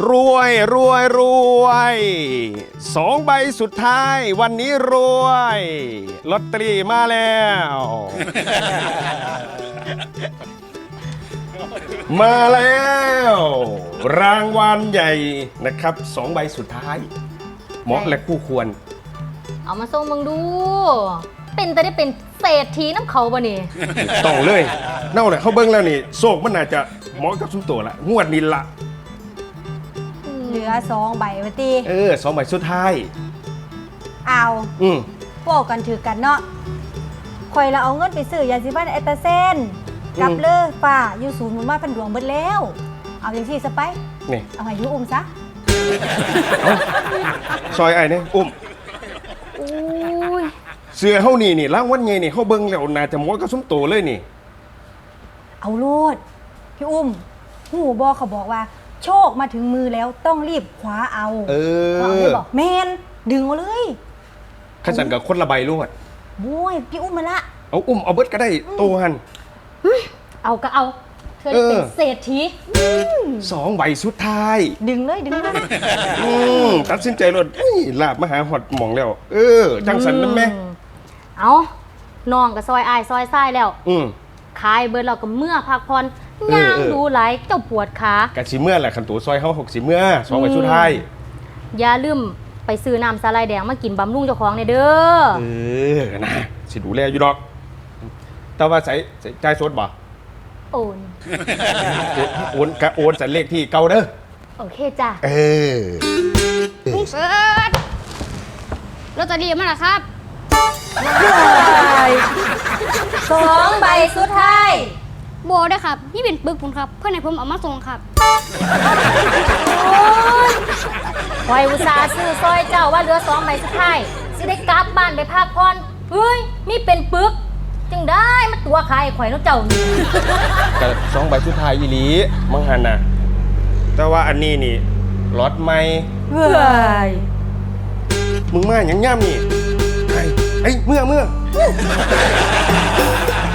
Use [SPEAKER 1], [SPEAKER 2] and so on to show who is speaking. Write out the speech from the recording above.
[SPEAKER 1] รวยรวยรวยสองใบสุดท้ายวันนี้รวยลอตเตอรี่มาแล้ว มาแล้ว รางวัลใหญ่นะครับสองใบสุดท้ายเหมาะและคู่ควร
[SPEAKER 2] เอามาส่งมึงดู เป็นแต่ได้เป็นเศรษฐีน้ำเขาบ่นี่
[SPEAKER 1] ต้องเลยเน่าเลยเขาเบิ้งแล้วนี่โศกมันน่าจะเหมาะกับซุ้มตัวละงวดนี้ละ
[SPEAKER 3] เหลือ2 ใบวะตี
[SPEAKER 1] สองใบสุดท้าย
[SPEAKER 3] เอา
[SPEAKER 1] อืม
[SPEAKER 3] พวกกันถือกันเนาะข่อยละเอาเงินไปซื้อยาสีฟันไอตาเซนกับเลอฝ่าอยู่ศูนย์หมุนมาพันดวงเบิดแล้ว เอาอย่างที่สไป
[SPEAKER 1] นี่
[SPEAKER 3] เอาให้ยูอุ้มซะ
[SPEAKER 1] ซอยไอ้เนี่ยอุ้ม
[SPEAKER 2] อุ้ย
[SPEAKER 1] เสือเฮานี่รางวัลใหญ่นี่เขาเบิ้งแล้วน่าจะเหมาะกับซุ้มตัวเลยนี่
[SPEAKER 3] เอาโลดพี่อุ้มหูบอเขาบอกว่า โชคมาถึงมือแล้วต้องรีบคว้าเอา คว้าเอาได้บอกแมนดึงเอาเลย
[SPEAKER 1] ขันสันกับคนละใบรวด
[SPEAKER 3] บุ้ยพี่อุ้มมาละ
[SPEAKER 1] เอาอุ้มเอาเบิดก็ได้โตหัน
[SPEAKER 2] เอาก็เอาเธอได้เป็นเศรษฐี
[SPEAKER 1] สองใบสุดท้าย
[SPEAKER 3] ดึงเลยดึงเลย
[SPEAKER 1] ตัดสินใจรถลาบมาหาหอดหมองแล้ว จังสันนั่นแม่
[SPEAKER 2] เอาน้องกับซอยอายซอยไส้แล้ว
[SPEAKER 1] อืม
[SPEAKER 2] ขายเบิร์เราก็เมื่อพักผ่อน
[SPEAKER 1] เออ
[SPEAKER 2] ย่าง
[SPEAKER 1] เออ
[SPEAKER 2] ดูไหลเจ้าปวดขาก
[SPEAKER 1] ะสิเมื่อแหละขันตัวซอยเฮา60เมื่อสองใบสุดท้าย
[SPEAKER 2] อย่าลืมไปซื้อน้ำสาลายแดงมากินบำรุงเจ้าของในเด้อ
[SPEAKER 1] นะสิดูแลอยู่ดอก แต่ว่าใส่ใจายสดบ่
[SPEAKER 2] โอน
[SPEAKER 1] โอนใส่เลขที่เก่าเด้อ
[SPEAKER 2] โอเคจ้ะ
[SPEAKER 4] ลุงเสิร์ชลอตเตอรี่มาแล้วครับ
[SPEAKER 3] 2 ใบสุดท้าย
[SPEAKER 4] โบได้ครับนี่เป็นปึกผมครับ เพื่อนให้ผมเอามาส่งครับ
[SPEAKER 2] คอยอุตส่าห์ซื้อซอยเจ้าว่าเหลือ2 ใบสุดท้ายสิได้กลับบ้านไปพักผ่อนเฮ้ยมีเป็นปึก จึงได้มาตัวขายข่อยน้องเจ้านี่
[SPEAKER 1] กับสองใบสุดท้ายอีหลีมังหันน่ะ แต่ว่าอันนี้นี่ล็อตใหม่
[SPEAKER 3] เว้ย
[SPEAKER 1] มึงมาอย่างย่ำนี่ไอ้เมื่อ